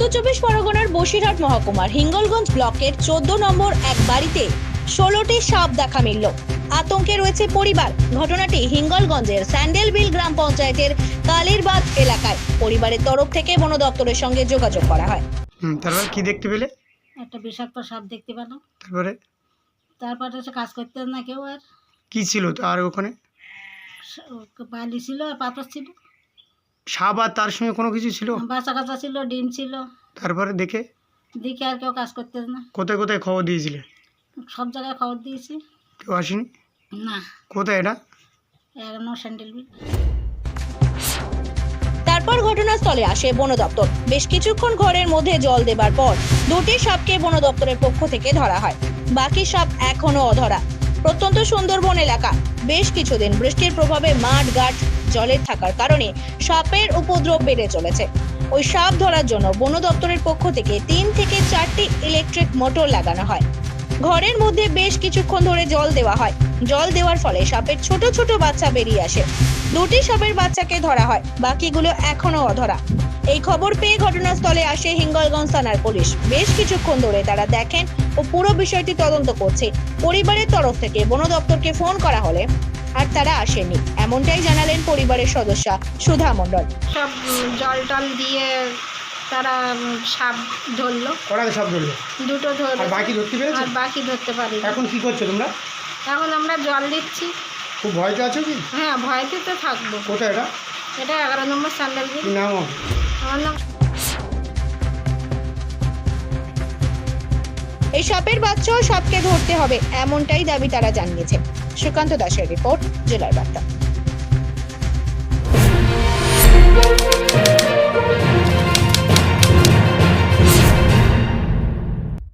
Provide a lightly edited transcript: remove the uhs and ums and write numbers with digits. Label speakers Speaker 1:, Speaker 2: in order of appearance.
Speaker 1: পরগনার বসিরহাট মহকুমার হিঙ্গলগঞ্জ ব্লকের 14 নম্বর এক বাড়িতে 16টি সাপ দেখা মিলল। আতঙ্কে রয়েছে পরিবার। ঘটনাটি হিঙ্গলগঞ্জের স্যান্ডেলবিল গ্রাম পঞ্চায়েতের কালিরবাদ এলাকায়। পরিবারের তরফ থেকে বন দপ্তরের সঙ্গে যোগাযোগ করা হয়।
Speaker 2: তারপর কি দেখতে পেলে?
Speaker 3: একটা বিষাক্ত সাপ দেখতে পেলাম।
Speaker 2: তারপরে
Speaker 3: এসে কাজ করতে না কেউ, আর
Speaker 2: কি ছিল আর ওখানে?
Speaker 3: বালি ছিল আর পাথর ছিল।
Speaker 2: সাপ আর তার সঙ্গে কোনো কিছু ছিল?
Speaker 3: বাচ্চা কাচ্চা ছিল, ডিম ছিল।
Speaker 2: তারপরে দেখে
Speaker 3: আর কেউ কাজ করতে না।
Speaker 2: কোথায় কোথায় খবর দিয়েছিলে?
Speaker 3: সব জায়গায় খবর দিয়েছি,
Speaker 2: কেউ আসেনি?
Speaker 3: না।
Speaker 2: কোথায় এটা?
Speaker 3: এখনো স্যান্ডেলবিল।
Speaker 1: তারপর ঘটনাস্থলে আসে বন দপ্তর। বেশ কিছুক্ষণ ঘরের মধ্যে জল দেবার পর 2টি সাপকে বন দপ্তরের পক্ষ থেকে ধরা হয়। বাকি সাপ এখনো অধরা। প্রত্যন্ত সুন্দরবন এলাকা। বেশ কিছুদিন বৃষ্টির প্রভাবে মাঠ ঘাট জলের থাকার কারণে সাপের উপদ্রব বেড়ে চলেছে। ওই সাপ ধরার জন্য বন দপ্তরের পক্ষ থেকে 3 থেকে 4টি ইলেকট্রিক মোটর লাগানো হয়। ঘরের মধ্যে বেশ কিছুক্ষণ ধরে জল দেওয়া হয়। জল দেওয়ার ফলে সাপের ছোট ছোট বাচ্চা বেরিয়ে আসে। 2টি সাপের বাচ্চাকে ধরা হয়, বাকিগুলো এখনো অধরা। এই খবর পেয়ে ঘটনাস্থলে আসে হিঙ্গলগঞ্জ থানার পুলিশ। বেশ কিছুক্ষণ ধরে তারা দেখেন ও পুরো বিষয়টি তদন্ত করছে। পরিবারের তরফ থেকে বন দপ্তরকে ফোন করা হলে আর তারা আসেনি, এমনটাই জানালেন পরিবারের সদস্য সুধা মণ্ডল।
Speaker 3: সব জল টল দিয়ে তারা সাপ ধরলো।
Speaker 2: কটা সাপ ধরলো?
Speaker 3: 2টো ধরলো।
Speaker 2: আর বাকি ধরতে পেরেছো?
Speaker 3: আর বাকি ধরতে পারি।
Speaker 2: এখন কি করছো তোমরা?
Speaker 3: এখন আমরা জল দিচ্ছি।
Speaker 2: খুব ভয়তে আছো কি?
Speaker 3: হ্যাঁ, ভয়তে তো থাকবো।
Speaker 2: কোথায় এটা?
Speaker 3: এটা 11 নম্বর স্যান্ডেলবিল।
Speaker 2: কি নাম?
Speaker 3: আমার নাম।
Speaker 1: এই সাপের বাচ্চাও সাপকে ধরতে হবে, এমনটাই দাবি তারা জানিয়েছে। সুকান্ত দাসের রিপোর্ট, জেলার বার্তা।